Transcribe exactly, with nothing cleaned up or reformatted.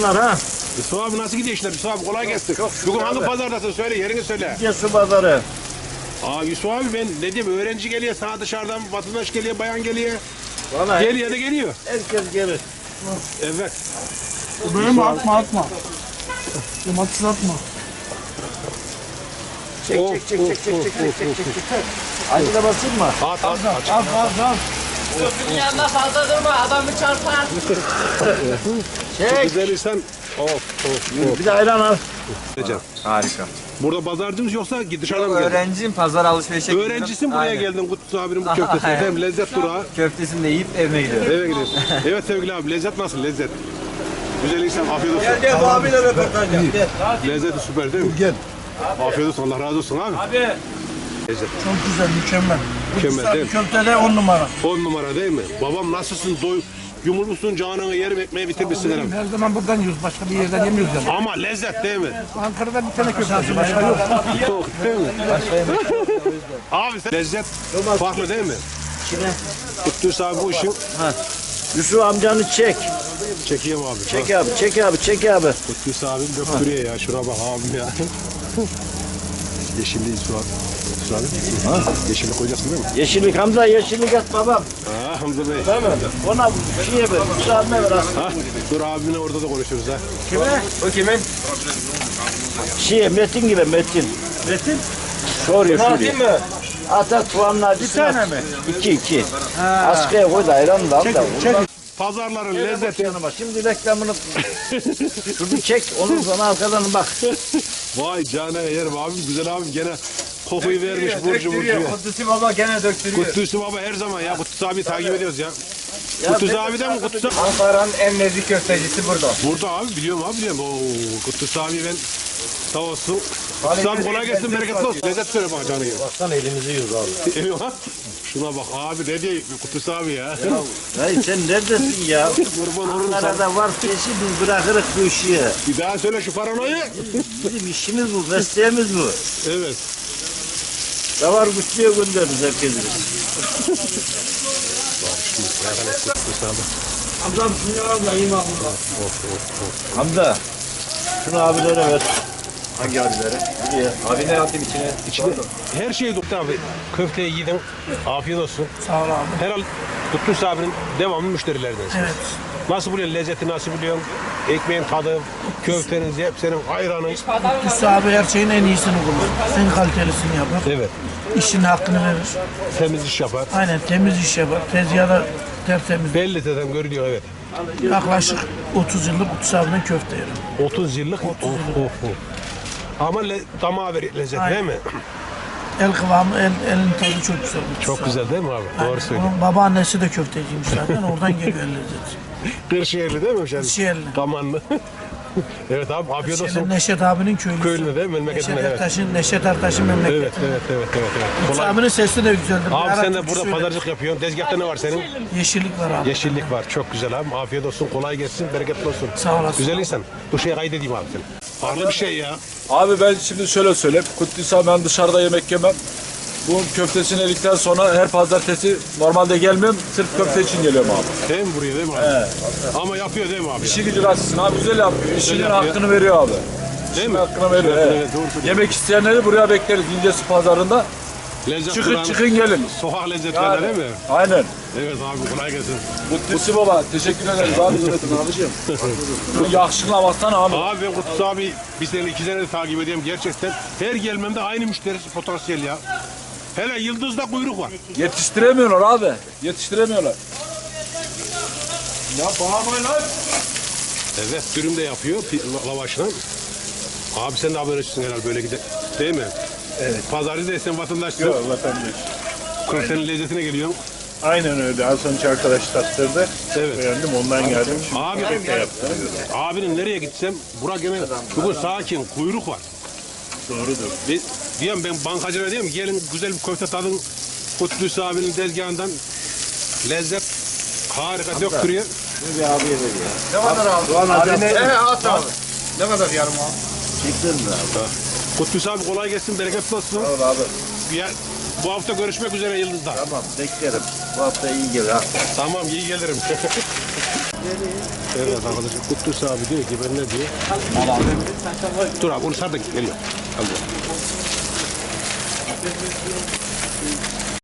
Buyursunlar ha. Yusuf abi nasıl gidiyor işler? Yusuf abi kolay gelsin. Bugün hangi pazardasın? Söyle, yerini söyle. Su pazarı. Aa Yusuf abi ben ne diyeyim, öğrenci geliyor, sana dışarıdan vatandaş geliyor, bayan geliyor. Vallahi Geliyor da geliyor. herkes gelir. Evet. Böyle atma atma. Domates atma. Çek Of, çek çek of, çek çek of, çek of, çek çek of, çek çek. Acı da basayım mı? At at at. Al al al. Köprünün yanında fazla durma, adamı çarpar. Çek. Güzel insan. Of of of. Bir de ayran al. Harika. Burada pazarcımız yoksa dışarıdan mı geldin? Öğrenciyim, pazar alışverişe gidiyorum. Öğrencisin, buraya Aynen. geldin Kutlu abinin bu köftesi. Aynen. Hem lezzet durağı. Köftesini de yiyip evime gidiyorum. Eve gidiyorsun. Evet sevgili abi, lezzet nasıl lezzet? Güzel insan, afiyet olsun. Gel bu abiyle röportaj yap. Gel. Lezzeti süper değil mi? Gel. Afiyet olsun, Allah razı olsun abi. Abi. Lezzet. Çok güzel, mükemmel. Mükemmel değil mi? Köfte de on numara. On numara değil mi? Babam nasılsın? Doy yumurlusun, canını yerim, ekmeği bitirmişsin herhalde. Her zaman buradan yiyoruz, başka bir yerden yemiyoruz yani. Ama lezzet değil mi? Ankara'da bir tane köftesi başka yok. Yok değil mi? Abi sen lezzet farklı değil mi? Kime? Kutluys abi bu işin. Yusuf amcanı çek. Çekeyim abi. Çek abi, çek abi, çek abi. Kutluys abim döktürüyor ya. Şuna bak abim ya. Yeşilliği su abi. Su abi. Ha? Yeşillik koyacaksın değil mi? Yeşillik Hamza, yeşillik at babam. Ha Hamza Bey. Tamam. Ona bir şeye ver, Yusuf abime ver aslında. Ha? Dur abimle orada da konuşuruz ha. Kime? O kimin? Şeye, Metin gibi Metin. Metin? Soruyor, soruyor. mı? At at puanla acısını. Bir tane mi? İki, iki. Askıya koy da ayran da al da. Çek. Pazarların Lezzeti. lezzeti. Yanıma. Şimdi reklamını şunu çek, onun sonra arkadan bak. Vay canına yerim abim, güzel abim gene kokuyu vermiş burcu burcu. Kutlusu baba gene döktürüyor. Kutluys baba her zaman ya. Kutluys abi takip ediyoruz ya. Kutluys abiden mi? Kutluys abi? Ankara'nın en nezih köftecisi burada. Burada abi, biliyorum abi biliyorum. Oo, Kutluys abi ben sağ olsun. Kutluys abi kolay gelsin, bereketli olsun. Lezzet söyle bana canı yiyor. Baksana elimizi yiyoruz abi. Eyvah. Şuna bak abi, ne diyor Kutluys abi ya. Hayır sen neredesin ya? Kurban olurum sana. Ankara'da var peşi biz bırakırız bu işi. Bir daha söyle şu paranoyu. Bizim işimiz bu, mesleğimiz bu. Evet. Davar güçlüye göndeririz herkesi. Kutluys abi. Hamzam şunu al da yiyeyim abi. Hamza. Şunu abilere ver. Hangi abilere? Buraya. Abi ne atayım içine? İçinde her şeyi doktor abi. Köfteyi yedin. Afiyet olsun. Sağ ol abi. Herhalde Kutluys abinin devamlı müşterilerdensin. Evet. Nasıl buluyorsun lezzeti, nasıl buluyorsun? Ekmeğin tadı, köfteniz, hep senin ayranın. Üstü abi her şeyin en iyisini bulur. En kalitelisini yapar. Evet. İşin hakkını verir. Temiz iş yapar. Aynen temiz iş yapar. Tezgahda tertemiz. Belli zaten görülüyor, evet. Yaklaşık otuz yıllık Kutluys abinin köfte yerim. otuz yıllık. Of, of, of. Ama le, damağa ver lezzet Aynen. değil mi? El kıvamı, el, elin tadı çok güzel. Kutluys Çok abi. güzel değil mi abi? Aynen. Doğru söylüyorsun. Onun babaannesi de köfteciymiş zaten. Oradan geliyor el lezzeti. Kırşehirli değil mi hemşerim? Kırşehirli. Kamanlı. Evet abi, afiyet Şeyler, olsun. Neşet abinin köylüsü. Köylü değil mi? Memleketinden, Neşet evet. Ertaş'ın, Neşet Ertaş'ın memleketi. Evet, evet, evet, evet. evet. Kutluys Kolay. abinin sesi de güzeldir. Bir Abi ara sen de türkü burada söyler. pazarcılık yapıyorsun. Tezgahta ne var senin? Yeşillik var abi. Yeşillik var. Çok güzel abi. Afiyet olsun. Kolay gelsin. Bereketli olsun. Sağ olasın. Güzel insan. Bu şeye kaydedeyim abi seni. Farklı bir şey ya. Abi ben şimdi şöyle söyleyeyim. Kutluys'a ben dışarıda yemek yemem. Bu köftesini yedikten sonra her pazartesi normalde gelmiyorum. Sırf köfte için geliyorum abi. Değil mi buraya, değil mi abi? Evet. Ama yapıyor değil mi abi? İşi gücü açısın abi. Güzel yapıyor. İşinin yapıyor. hakkını veriyor abi. Değil İşinin mi? hakkını veriyor. Evet, evet. evet, doğru söylüyorsun. Yemek isteyenleri buraya bekleriz. İncesu pazarında. Lezzet Çıkın duran, çıkın gelin. sokak lezzetlerine Yani, değil mi? aynen. Evet abi, kolay gelsin. Kutlusu baba. Teşekkür ederiz abi. abicim. Bu yakışıkla baksana abi. Abi ben Kutluys abi bir sene iki sene de takip ediyorum gerçekten. Her gelmemde aynı müşterisi potansiyel ya. Hele Yıldız'da kuyruk var. Yetiştiremiyorlar abi. Yetiştiremiyorlar. Ya bağırmayın lan. Evet, dürüm de yapıyor pi- lavaşla. Abi sen de haberleşsin herhalde böyle gider. Değil mi? Evet. Pazarcı değilsen vatandaşsın. Yok vatandaş. Senin lezzetine geliyorsun. Aynen öyle. Az önce arkadaş tattırdı. Evet. Beğendim ondan geldim. Şimdi Abi, köfte yaptım. abinin nereye gitsem Burak gene bugün sakin, kuyruk var. Doğrudur. Bir, diyorum ben bankacılara diyorum ki gelin güzel bir köfte tadın Kutluys abinin tezgahından. Lezzet harika döktürüyor. Bir abiye ver ya. Ne kadar abi? Doğan abi ne? He at abi. Ne kadar yarım abi? Çektin mi abi? Kutluys abi kolay gelsin, bereketli olsun. Al abi. Ya, bu hafta görüşmek üzere Yıldız'da. Tamam beklerim. Bu hafta iyi gelir ha. Tamam, iyi gelirim. Evet arkadaşlar Kutlusu abi diyor ki ben ne diyor? Dur abi onu sar da geliyor. Al diyor.